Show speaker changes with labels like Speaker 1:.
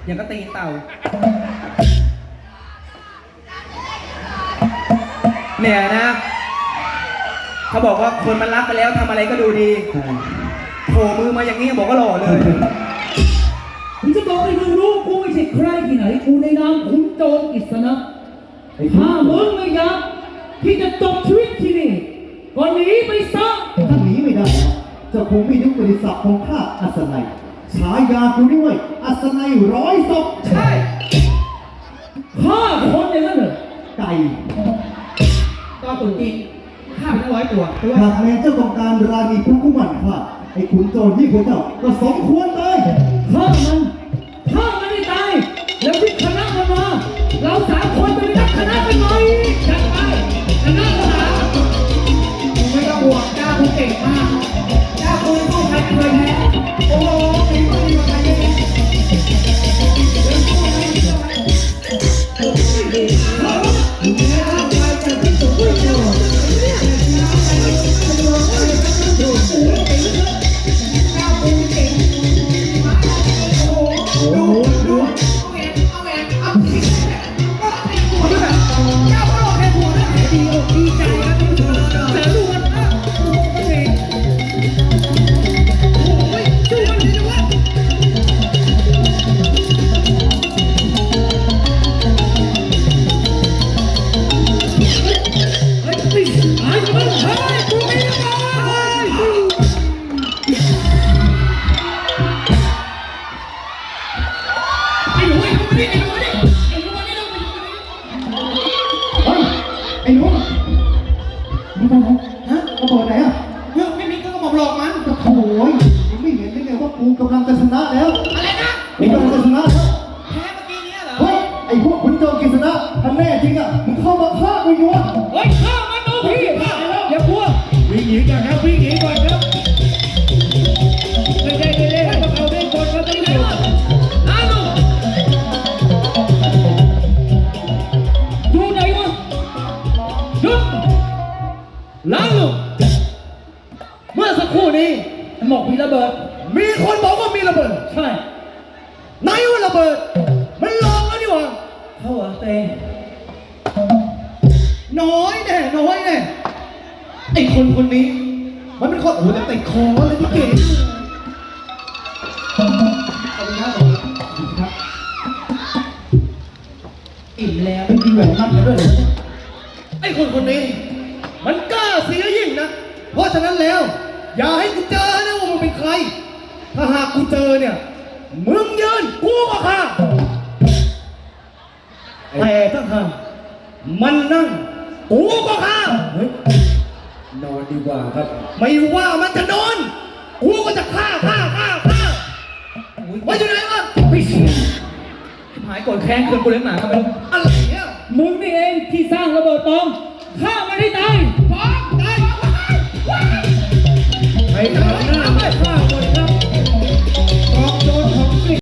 Speaker 1: อย่างก็ตีนเต่าเนี่ยนะเขาบอกว่าคนมันรักไปแล้วทำอะไรก็ดูดีโผล่มือมาอย่างนี้บอกก็หล่อเลย
Speaker 2: ผมจะบอกให้มึงรู้กูไม่ใช่ใครที่ไหนกูในนามขุนโจรกฤษณะถ้ามึงไม่อยากที่จะจบชีวิตที่นี่ก็หนีไปซะ
Speaker 3: ถ้าหนีไม่ได้เจ้าคงไม่นึกบริษัทของข้าอัศนัยฉายาคุณด้วยอัศนัยร้อยศพ
Speaker 1: ใช่
Speaker 2: ฆ่าคนอย่างนั้นเหรอ
Speaker 3: ไก่
Speaker 1: ก็ตุ่นจริงฆ่าไปตั้ง100 ตัว
Speaker 3: หากแม้เจ้าต้องการราณีผู้กุมันข้าไอ้ขุนโจรที่พวกเจ้าก็สมควรตาย
Speaker 2: ฆ่ามันให้ตายแล้วพิคณะมันมาเรา3 คนจะไปนับคณะกันหน่อยจัดไปคณะทหาร
Speaker 1: ไม่ต้องห่วงเจ้าคุณเก่งมากเจ้าคุณสู้ใครเคยแพ้โอ้โหมีคนดีกว่าใครเลย
Speaker 3: ไอ้หนูมึงไปไหนฮะกระบอกไหนอ่ะ
Speaker 1: เรื่องไม่มีก็บอกหลอกมัน
Speaker 3: โอ้ยมึงไม่เห็นได้ไงว่ากูกำลังจะชนะแล้ว
Speaker 1: อะไรนะ
Speaker 3: กูกำลังจะชนะแล้ว
Speaker 1: แพ้เมื่อกี้นี้เหรอ
Speaker 3: เฮ้ยไอ้พวกขุนโจรกฤษณะท่านแน่จริงอ่ะมึงเข้ามาฆ่ากูอยู่วะ
Speaker 2: เฮ้ยฆ่ามันดูพี่อย่ากลัว
Speaker 4: วิ่งหนีก่อนครับวิ่งหนีก่อนครับไม่ใช่เล่นๆให้พวกเขาเล่นคนเขาต้องอยู่
Speaker 2: ล้างลงอยู่ไหนวะหยุดล้างลงเมื่อสักครู่นี้หมอกมีระเบิด
Speaker 4: มีคนบอกว่ามีระเบิด
Speaker 2: ใช่
Speaker 4: ไหนว่าระเบิดมันลองแล้วนี่หว่า
Speaker 2: เขาเหรอเตง
Speaker 4: น้อยแน่ไอ้คนนี้มันเป็นคนโอ้แต่ติดคอเลยพี่เก๋
Speaker 1: ขอบคุณครับอิ่มแล้ว
Speaker 3: เป็นดีแหวนมั่นกันด้วยเลย
Speaker 4: ไอ้คนนี้มันกล้าเสียยิ่งนะเพราะฉะนั้นแล้วอย่าให้กูเจอนะว่ามันเป็นใครถ้าหากกูเจอเนี่ยมึงยืนกูก็ฆ่าแต่ถ้าหากมันนั่งกูก็ฆ่านอนดีกว่าครับไม่ว่ามันจะนอนกูก็จะฆ่าว่าอยู่ไหนวะ
Speaker 2: ไม่เสียหายโกรธแค้นคืนกูเลี้ยงหมาก็ไม่รู้
Speaker 4: อะไรเนี่ย
Speaker 2: มึงนี่เองที่สร้างระเบิดปลอมฆ่ามันให้ตาย
Speaker 4: ตายไอ้ทางนั้น